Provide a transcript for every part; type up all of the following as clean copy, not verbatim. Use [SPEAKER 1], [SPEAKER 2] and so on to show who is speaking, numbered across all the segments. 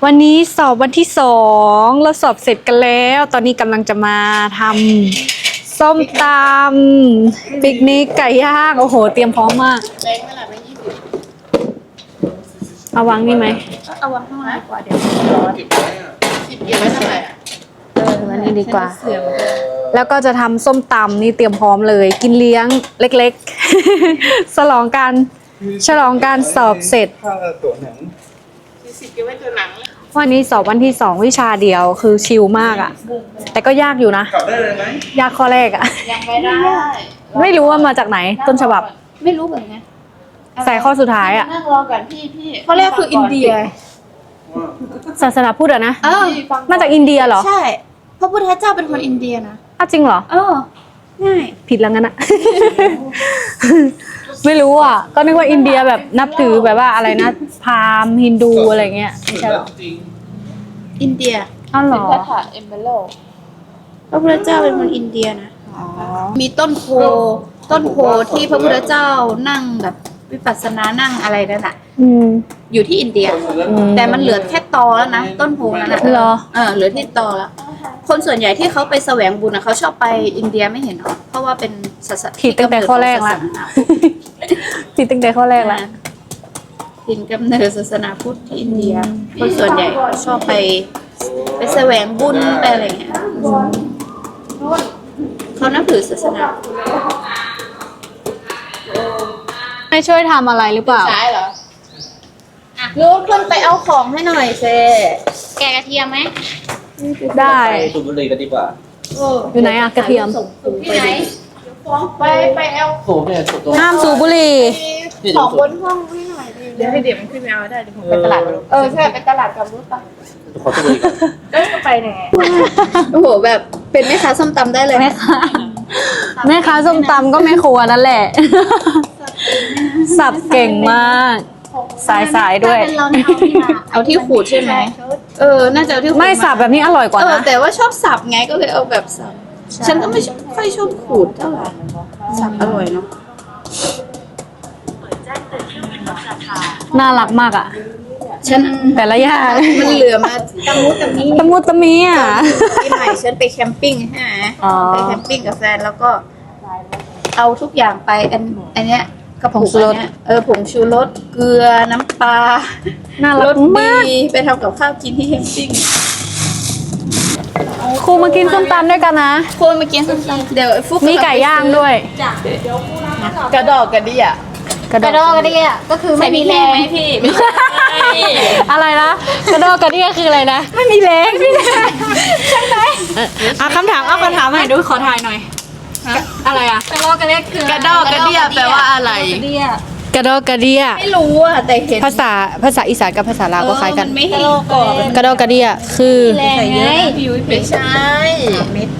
[SPEAKER 1] วันนี้สอบวันที่2เราสอบเสร็จกันแล้ว ตอนนี้กำลังจะมาทำส้มตำปิกนิกไก่ย่างโอ้โหเตรียมพร้อมมาก
[SPEAKER 2] แบงค์เท่าไหร่ไป20
[SPEAKER 1] เอาวางนี่ไหม
[SPEAKER 2] เอาวางข้างล่างกว่าเดี๋ยวร้อน10เก็บไว้เท่าไหร่
[SPEAKER 1] วันนี้ดีกว่าแล้วก็จะทำส้มตำนี่เตรียมพร้อมเลยกินเลี้ยงเล็กๆฉลองการสอบเสร็จ
[SPEAKER 3] ตัวหนัง
[SPEAKER 2] 40เก็บไว้ตัวหนัง
[SPEAKER 1] วันนี้สอบวันที่2วิชาเดียวคือชิลมากอะแต่ก็ยากอยู่นะ
[SPEAKER 3] กลับได้เลยไหม
[SPEAKER 1] ยากข้อแรกอะ
[SPEAKER 2] ยังไม่ได้
[SPEAKER 1] ไม่รู้ว่ามาจากไหนต้นฉบับ
[SPEAKER 2] ไม่รู้เหมือนกัน
[SPEAKER 1] ใส่ข้อสุดท้ายอะ
[SPEAKER 2] นั่งรอก่อนพี่ข้อแรกคืออินเดีย
[SPEAKER 1] ศาสนาพุทธอะนะมาจากอินเดียเหรอ
[SPEAKER 2] ใช่พระพุทธเจ้าเป็นคนอินเดียนะ
[SPEAKER 1] อ้าวจริงเหรอ
[SPEAKER 2] ง่าย
[SPEAKER 1] ผิดแล้วงั้นอะ ไม่รู้อ่ะก็นึกว่าอินเดียแบบนับถือแบบว่าอะไรนะพราหมณ์ฮินดูอะไรเงี้ยใช่หรอ
[SPEAKER 2] อินเดีย
[SPEAKER 1] อ้าวเหรอ
[SPEAKER 2] พระถาเอมเบโลพระพุทธเจ้าเป็นคนอินเดียนะมีต้นโพที่พระพุทธเจ้านั่งแบบวิปัสสนานั่งอะไรนั่นแหละอยู่ที่อินเดียแต่มันเหลือแค่ตอแล้วนะต้นโพนั้นนะ
[SPEAKER 1] เหรอ
[SPEAKER 2] เหลือที่ตอแล้วคนส่วนใหญ่ที่เขาไปแสวงบุญนะเขาชอบไปอินเดียไม่เห็นหรอเพราะว่าเป็นศาสนา
[SPEAKER 1] ผิดตั้งแต่ข้อแรกละผิดตั้งแต่ข้อแรกละ
[SPEAKER 2] ถิ่นกำเนิดศาสนาพุทธที่อินเดียคนส่วนใหญ่ชอบไปแสวงบุญไปอะไรเงี้ยเขานับถือศาสนา
[SPEAKER 1] ไม่ช่วยทำอะไรหรือเปล่า
[SPEAKER 2] ใช่เหรอลูกขึ้นไปเอาของให้หน่อยเซแกกระเทียมไหม
[SPEAKER 1] ได้
[SPEAKER 3] สูบบุหรี่กันดีกว่า
[SPEAKER 1] อยู่ไหนอะกระเทียม
[SPEAKER 2] ที่ไหนไปเอา
[SPEAKER 3] สูบเนี่ยสูบตรง
[SPEAKER 1] ห้ามสูบบุหรี่
[SPEAKER 2] ของบนห้องให้หน่อยเดี๋ยวให้เดี๋ยวมันขึ้นไปเอาได้เดี๋ยวผมไปตลาดใช่ไปตลาดกับรถปะ
[SPEAKER 3] ขอสูบบุหรี่ก่อน
[SPEAKER 2] ก็ไปไหนโอ้โหแบบเป็นแม่ค้าส้มตำได้เลย
[SPEAKER 1] แม่ค้าส้มตำก็แม่ครัวนั่นแหละสับเก่งมากสายด้วย
[SPEAKER 2] เอาที่ขูดใช่ไหมน่าจะเอาที่ขูด
[SPEAKER 1] ไม่สับแบบนี้อร่อยกว่านะ
[SPEAKER 2] แต่ว่าชอบสับไงก็เลยเอาแบบสับฉันก็ไม่ค่อยชอบขูดเท่าไหร่สับอร่อยเนาะ
[SPEAKER 1] น่ารักมากอ่ะ
[SPEAKER 2] ฉัน
[SPEAKER 1] แต่ละอย่าง
[SPEAKER 2] มันเหลือมาตะมุตะมี
[SPEAKER 1] อ่ะ
[SPEAKER 2] ปีใหม่ฉันไปแคมปิ้งฮะไปแคมปิ้งกับแฟนแล้วก็เอาทุกอย่างไปอันเนี้ยกระปุกอันเนี้ยผงชูรสเกลือน้ำปลา
[SPEAKER 1] น่ารักมาก
[SPEAKER 2] ไปทำกับข้าวกินที่แคมปิ้ง
[SPEAKER 1] ครูมากินส้มตำด้วยกันนะ
[SPEAKER 2] ครูมากินส้มตำเดี๋ยวฟุก
[SPEAKER 1] มีไก่ย่างด้วย
[SPEAKER 2] กระดอกกระเดี่ย
[SPEAKER 1] กระดอกกระเดี่ยก็คือไม่มีแรง
[SPEAKER 2] ไหมพี่
[SPEAKER 1] อะไรนะกระดอกกระเดี่ยคืออะไรนะไม่มีแรงใช่ไหมเอาคำถามใหม่ดูขอถ่ายหน่อยอะไรอะกระดอกกระเดี่ยคือก
[SPEAKER 2] ระดอกกระเดี่ยแปลว่าอะไร
[SPEAKER 1] กระดอกกระเดี่ย
[SPEAKER 2] ไม่รู้อะแต่เห็น
[SPEAKER 1] ภาษาอีสานกับภาษาลาวก็คล้ายกัน
[SPEAKER 2] ไม่ให้ก่อน
[SPEAKER 1] กระดอกกระเดี่ยคือ
[SPEAKER 2] แรงไงไม่ใช่เม็ด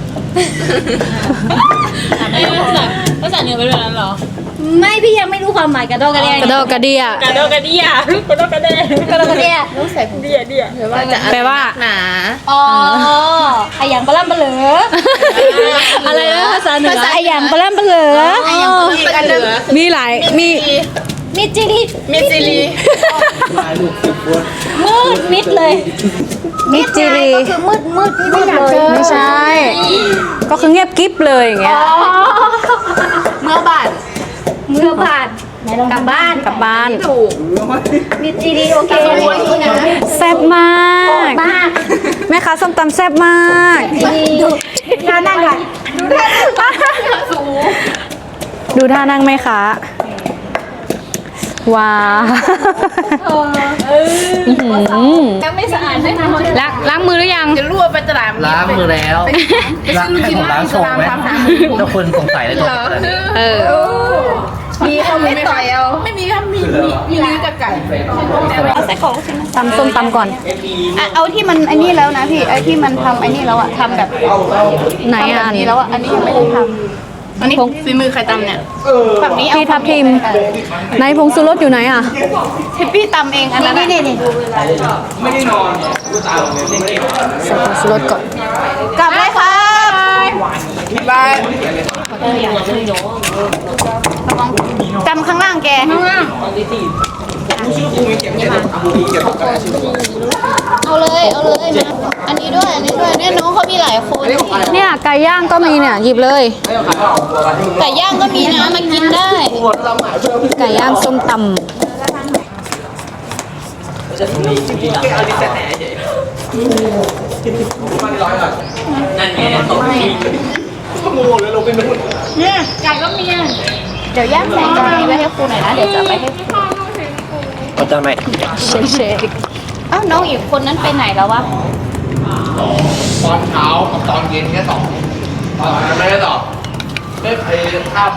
[SPEAKER 2] ภาษาเหนือเป็นแบบนั้นเหรอไม่พี่ยังไม่รู้ความหมายกระดอกกระเดี่ย
[SPEAKER 1] กระดอกกระเดี่ย
[SPEAKER 2] กระดอกกระเดี่ยกระดอกกระเดี่ยกระดอกกระเดี่ยต้องใส่ผมเดี่ย
[SPEAKER 1] แปลว่า
[SPEAKER 2] หนาขยันปลาล่ำปลาเหลือ
[SPEAKER 1] อะไรนะภาษาเหนือ
[SPEAKER 2] ขยันปลาล่ำปลาเหลือ
[SPEAKER 1] มีหลาย
[SPEAKER 2] มิจิริมืดมิดเลย
[SPEAKER 1] มิจิริ
[SPEAKER 2] ก็คือมืดที่ไม่อยากเจอ
[SPEAKER 1] ไม่ใช่ก็คือเงียบกิ๊บเลยอย่างเงี้ย
[SPEAKER 2] เมื่อบาทกลับบ้านถูกมิจิริโอเค
[SPEAKER 1] แซ่บมากแม่ค้าส้มตำแซ่บมาก
[SPEAKER 2] ท่านั่งก่อน
[SPEAKER 1] ดูท่านั่งไหมคะว้า
[SPEAKER 2] ยังไม่สะอาดไม่ท
[SPEAKER 1] ำล้างมือหรือยัง
[SPEAKER 2] จะรั่วไปตลาด
[SPEAKER 3] ล้างมือแล้วให้ผมล้างชงไหมถ้าคนสงสัยเลย
[SPEAKER 2] มีเอาไม่ต่อยเอาไม่มีครับมีเนื้อกับไก่เอาใส่ของ
[SPEAKER 1] ตำส้มตำก่อน
[SPEAKER 2] เอาที่มันอันนี้แล้วนะพี่ไอที่มันทำอันนี้แล้วอะทำแบบ
[SPEAKER 1] ไหนอัน
[SPEAKER 2] นี้แล้วอะอันนี้ยังไม่ได้ทำอันนี้ฝีมือใครตำเนี่ยฝั่งนี้
[SPEAKER 1] พี่ทับทิมไหนผงชูรสอยู่ไหนอ่ะ
[SPEAKER 2] พี่ตำเองอันนั้นนี่
[SPEAKER 3] ไม่ได้นอน
[SPEAKER 1] ใส่ผงชูรสก่อน
[SPEAKER 2] กลับเลยครับบายจำข้างล่างแกข้างล่างเอาเอาเลยมาอันนี้ด้วยเนี่ยน้องเขามีหลายคน
[SPEAKER 1] เนี่ยไก่ย่างก็มีเนี่ยหยิบเลย
[SPEAKER 2] ไก่ย่างก็มีนะมากินได้
[SPEAKER 1] ไก่ย่างส้มต
[SPEAKER 2] เนี่ยไก่ก็มีเดี๋ยวย่างใส่จานนี้ไว้ให้ครูหน่อยนะเดี๋ยวจะไปให้ครู
[SPEAKER 3] เอาจานไหม
[SPEAKER 1] ำเชค
[SPEAKER 2] อ้าวน้องอีกคนนั้นไปไหนแล้ววะ
[SPEAKER 4] ตอนเช้ากับตอนเย็นแค่สองตอนนั้นไม่ได้ตอบไม่เคยภาพ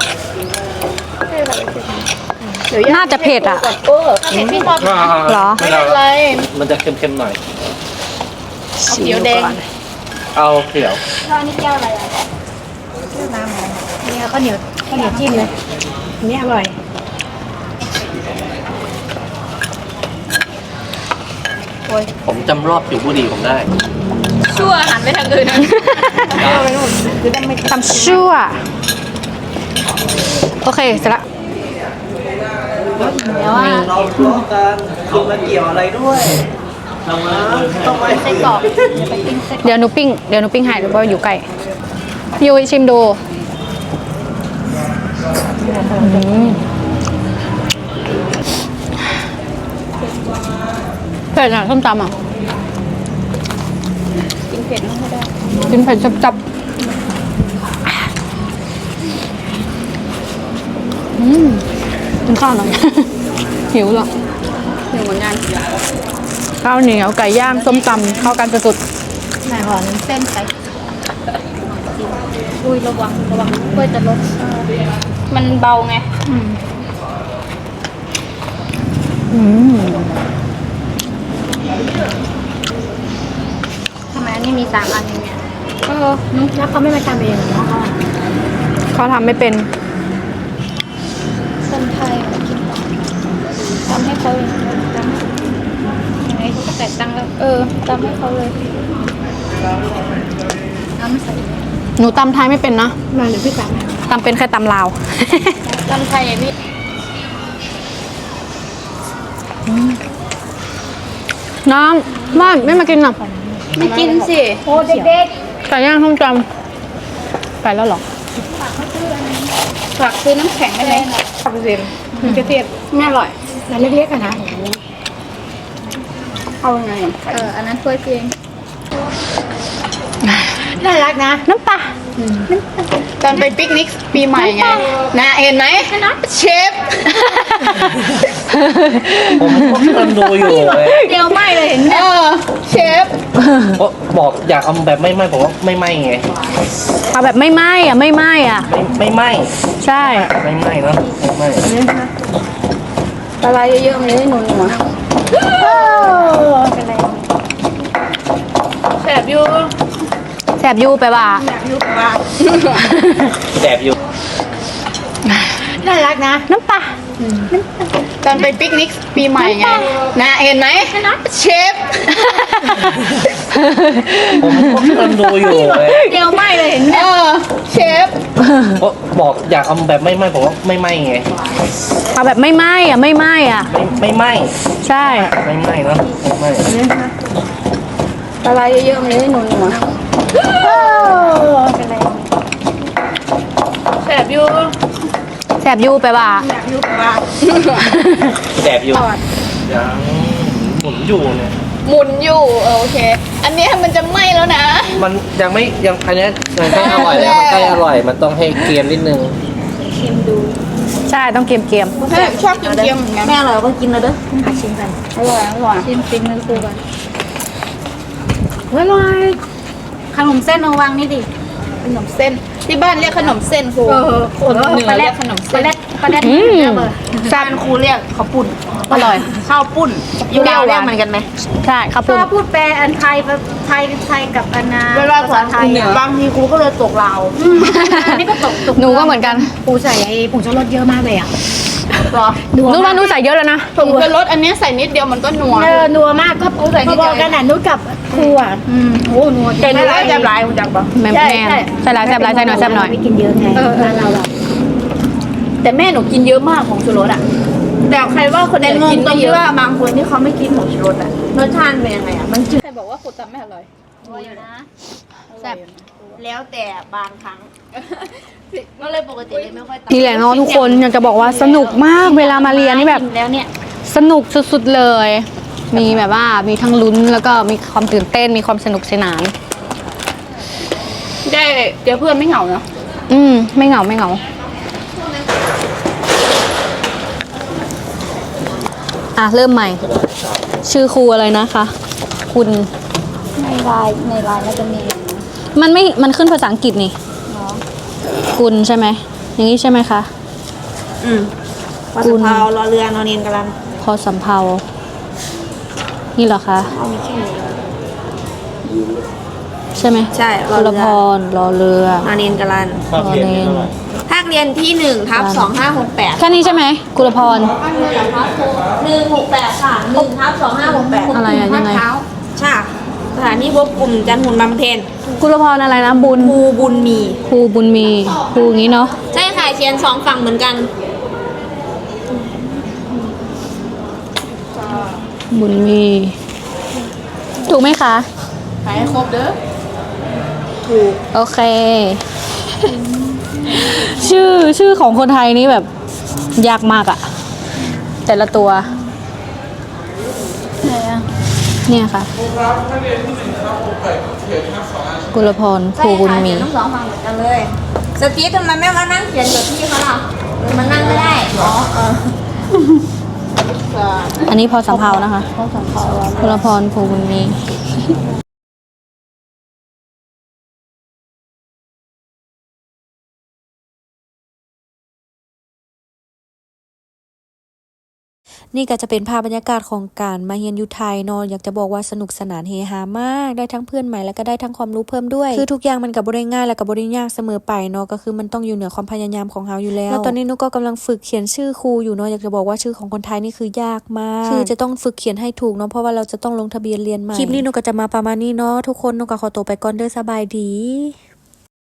[SPEAKER 1] น่าจะเผ็ดอ่ะ
[SPEAKER 2] เออพี่ชอบ
[SPEAKER 1] เหรอ
[SPEAKER 2] ไม่เป็นไร
[SPEAKER 3] มันจะเค็มๆหน่อย
[SPEAKER 2] เขียวแดง
[SPEAKER 3] เอาเขียว
[SPEAKER 2] ข้าวนี่แก้วอะไรอ่ะ
[SPEAKER 1] เนี่ยข้าวเหนียวจิ้มเลยนี่อร่อย
[SPEAKER 3] ผมจำรอบผิวบุหรี่ผมได้
[SPEAKER 2] ชั่วหันไปทางอื่นนะ
[SPEAKER 1] ตำชั่ว โอเค เสร็จละ
[SPEAKER 2] แล้วอ่ะ
[SPEAKER 3] เราทะเลาะกันคุณมาเกี่ยวอะไรด้วยต้องไป
[SPEAKER 2] ไส้กรอก
[SPEAKER 1] เดี๋ยวหนูปิ้งให้หรือว่าอยู่ใกล้พี่ยุ้ยชิมดูเผ็ดอ่ะส้มตำอ่ะ
[SPEAKER 2] กินเผ็ดไม่ได้
[SPEAKER 1] กินเผ็ดจับกินข้าวหน่อย หิวเหรอ
[SPEAKER 2] หิวเหมือนกัน
[SPEAKER 1] ข้าวเหนียวไก่ย่างส้มตำเข้ากันสุด
[SPEAKER 2] ไหนห่อน้ำเส้นไปอุ้ยระวังกล้วยจะลดมันเบาไง ทำไมอันนี้มี3 อันอย่างเงี้ยแล้วเขาไม่มาทำเองเหรอ
[SPEAKER 1] เขาทำไม่เป็น
[SPEAKER 2] คนไทยกินทำให้เขาเลยทำยังไงเขาก็แต่ตังค์แล้วทำให้เขาเลยน้ำใส่
[SPEAKER 1] หนูตำไทยไม่เป็นนะ
[SPEAKER 2] มาหรือพี่ตัง
[SPEAKER 1] ตำเป็นแค่ตำลาว
[SPEAKER 2] ตำไทยพี่
[SPEAKER 1] น้องบ้านไม่มากินหรอ
[SPEAKER 2] ไม่กินสิโอ้เด็ก
[SPEAKER 1] ไก่ย่างส้มตำไปแล้วเหรอ
[SPEAKER 2] ๆฝากซื้อน้ำแข็งได้ไหม
[SPEAKER 1] กระเทียมไม่อร่อยแต่เล็กๆอะนะ
[SPEAKER 2] เอาไงอันนั้นถ้วยเพียง
[SPEAKER 1] น่ารักนะ น้ำปลา
[SPEAKER 2] ตอนไปปิกนิกปีใหม่ไงนะเห็นไหมเชฟ
[SPEAKER 3] ผมก็กำลังดูอยู่เลย
[SPEAKER 2] เดียวไหมเลยเห็นไหมเชฟ
[SPEAKER 3] เพราะบอกอยากเอาแบบไม่ไหม้ผมว่าไม่ไหม้ไง
[SPEAKER 1] เอาแบบไม่ไหม้อะไม่ไหม้อะ
[SPEAKER 3] ไม่ไหม้
[SPEAKER 1] ใช่
[SPEAKER 3] ไม่ไหม้เนอะไม่ไหม้
[SPEAKER 2] ปลาเยอะๆมันเลยหนุนหัวแสบอยู่
[SPEAKER 1] แสบยูไปว่า
[SPEAKER 3] แสบอยู่
[SPEAKER 1] น่ารักนะ น้ำปลา
[SPEAKER 2] ตอนไปปิกนิกปีใหม่ไงนะเห็นไหมเชฟ
[SPEAKER 3] ผมก็กำลังดูอยู่เลย
[SPEAKER 2] เดียวไหมเลยเห็นไหมเชฟ
[SPEAKER 3] เพราะบอกอยากเอาแบบไม่ไหม้ผมว่าไม่ไหม้ไง
[SPEAKER 1] เอาแบบไม่ไหม้อะไม่ไหม้อะ
[SPEAKER 3] ไม่ไหม้
[SPEAKER 1] ใช่
[SPEAKER 3] ไม่ไหม้เนอะไม่ไหม้
[SPEAKER 2] ปลาเยอะๆมันเลยหนุนหัวแสบอยู่
[SPEAKER 1] แสบยูไปว่า
[SPEAKER 3] แสบอยู่ยังหมุนอยู่เนี่ย
[SPEAKER 2] หมุนอยู่โอเค อันนี้มันจะไหม้แล้วนะ
[SPEAKER 3] มันยังไม่ยังอันเนี้ยยังใกล้อร่อยแล้วมันใกล้อร่อยมันต้องให้เกรียมนิดนึง
[SPEAKER 1] ใช่ต้องเกรียม
[SPEAKER 2] ชอบกินเค็มเหมือนกัน
[SPEAKER 1] แม่อร่อยก็กินเลยเด้อหาชิมกัน
[SPEAKER 2] อร่อยชิมนึงคือกัน
[SPEAKER 1] อร่อยขนมเส้นเอาวางนี่ดิ
[SPEAKER 2] ขนมเส้นที่บ้านเรียกขนมเส้นครูคนเหนือเรียกขนมเส้น
[SPEAKER 1] ปลาแรดแซ่บครูเรียกข้าวปุ้นอร่อยข้าวปุ้นยูดาวเรียกเหมือนกันไหมใช่ข้าวปุ้น
[SPEAKER 5] ถ้าพูดแปลอันไทยกับอันนา
[SPEAKER 2] เวลาสอน
[SPEAKER 5] ไท
[SPEAKER 2] ค
[SPEAKER 5] ย
[SPEAKER 2] นเหนือบางทีครูก็เลยตกลาว
[SPEAKER 5] อันนี้ก็ตก
[SPEAKER 1] หนูก็เหมือนกัน
[SPEAKER 5] ปูใส่ไอ้ผงชูรสเยอะมากเลยอ่ะ
[SPEAKER 2] หรอ
[SPEAKER 1] นู้นว่านู้นใส่เยอะแล้วนะ
[SPEAKER 2] ผมจะลดอันนี้ใส่นิดเดียวมันก็นัว
[SPEAKER 5] นัวมากก็
[SPEAKER 2] ปูใส่นิด
[SPEAKER 5] พ
[SPEAKER 2] เดี
[SPEAKER 5] อ
[SPEAKER 2] ยว
[SPEAKER 5] ๆกันอ่ะนุ้กับครูอ่ะโอ้นัว
[SPEAKER 2] แต่หนูว่าจะหลายคุณจักปะ
[SPEAKER 1] แม่แม่ใส่หลายแซ่บหลายใส่หน่อยแซ่บหน่อย
[SPEAKER 5] ไม่กินเยอะไงบ้านเราแบบ
[SPEAKER 2] แต่แม่หนูกินเยอะมากของชูรสอ่ะแต่ใครว่าคนไหนกินไม่เยอะว่าบางคนที่เขาไม่กินของชูรสอ่ะรสชาติเป็นยังไงอ่ะมันจืดใครบอกว่าครูตำไม่อร่อย
[SPEAKER 1] แซ่บ
[SPEAKER 2] แล้วแต่บางครั้ง ก็เลยปกติเลยไม่ค่อยตำ
[SPEAKER 1] นี่แหละเนาะทุกคนอยากจะบอกว่าสนุกมากเวลามาเรียนนี่แบบ
[SPEAKER 5] แล้วเนี่ย
[SPEAKER 1] สนุกสุดๆเลย มีแบบว่ามีทั้งลุ้นแล้วก็มีความตื่นเต้นมีความสนุกสนาน
[SPEAKER 2] ได้เจอเพื่อนไม่เหงาเนาะ
[SPEAKER 1] ไม่เหงาไม่เหงาเริ่มใหม่ ชื่อครูอะไรนะคะ คุณ
[SPEAKER 5] ในไลน์น่าจะมี
[SPEAKER 1] มันขึ้นภาษาอังกฤษนี่คุณใช่ไหมอย่างนี้ใช่ไหมคะ
[SPEAKER 2] พอสะเพารอเรือนอนเนียนกำลัง
[SPEAKER 1] พอสำเภานี่เหรอคะใช่ไหม
[SPEAKER 2] ใช่
[SPEAKER 1] กุลพรรอเรือ
[SPEAKER 2] นอนเนียนกำลัง
[SPEAKER 3] ความเรียนนี่เท่าไหร่
[SPEAKER 2] ภาคเรียนที่1/2568
[SPEAKER 1] แค่นี้ใช่ไหมกุลพร
[SPEAKER 2] 168ค่ะ1/2568
[SPEAKER 1] อะไรอะยังไง
[SPEAKER 2] ใช่สถานีควบคุมจันทร์หุ่นบำเพ็ญ
[SPEAKER 1] กุลพรอะไรนะบุญ
[SPEAKER 2] ครูบุญมี
[SPEAKER 1] ครูบุญมีครูอย่างนี้เนาะ
[SPEAKER 2] ใช่ค่ะเขียน2ฝั่งเหมือนกัน
[SPEAKER 1] บุญมีถูกไหมคะ
[SPEAKER 2] ไปให้ครบเด้อ
[SPEAKER 1] โอเค ชื่อของคนไทยนี่แบบยากมากอะแต่ละตัวเนี่ยค่ะกุลพรครูบุญมี
[SPEAKER 2] ทั้ง2ฝั่งเหมือนกันเลยสตีฟทำไมไม่มานั่งเขียนกับพี่เขาล่ะหรือมันนั่งไม่ได้
[SPEAKER 1] อันนี้พอสำเภานะคะกุลพรครูบุญมีนี่ก็จะเป็นภาพบรรยากาศของการมาเรียนอยู่ไทยเนาะอยากจะบอกว่าสนุกสนานเฮฮามากได้ทั้งเพื่อนใหม่แล้วก็ได้ทั้งความรู้เพิ่มด้วยคือทุกอย่างมันกับบริง่ายและกับบริยากเสมอไปเนาะก็คือมันต้องอยู่เหนือความพยายามของเราอยู่แล้วตอนนี้นุก็กำลังฝึกเขียนชื่อครูอยู่เนาะอยากจะบอกว่าชื่อของคนไทยนี่คือยากมากคือจะต้องฝึกเขียนให้ถูกเนาะเพราะว่าเราจะต้องลงทะเบียนเรียนใหม่คลิปนี้นุก็จะมาประมาณนี้เนาะทุกคนนุก็ขอตัวไปก่อนเด้อสบายดี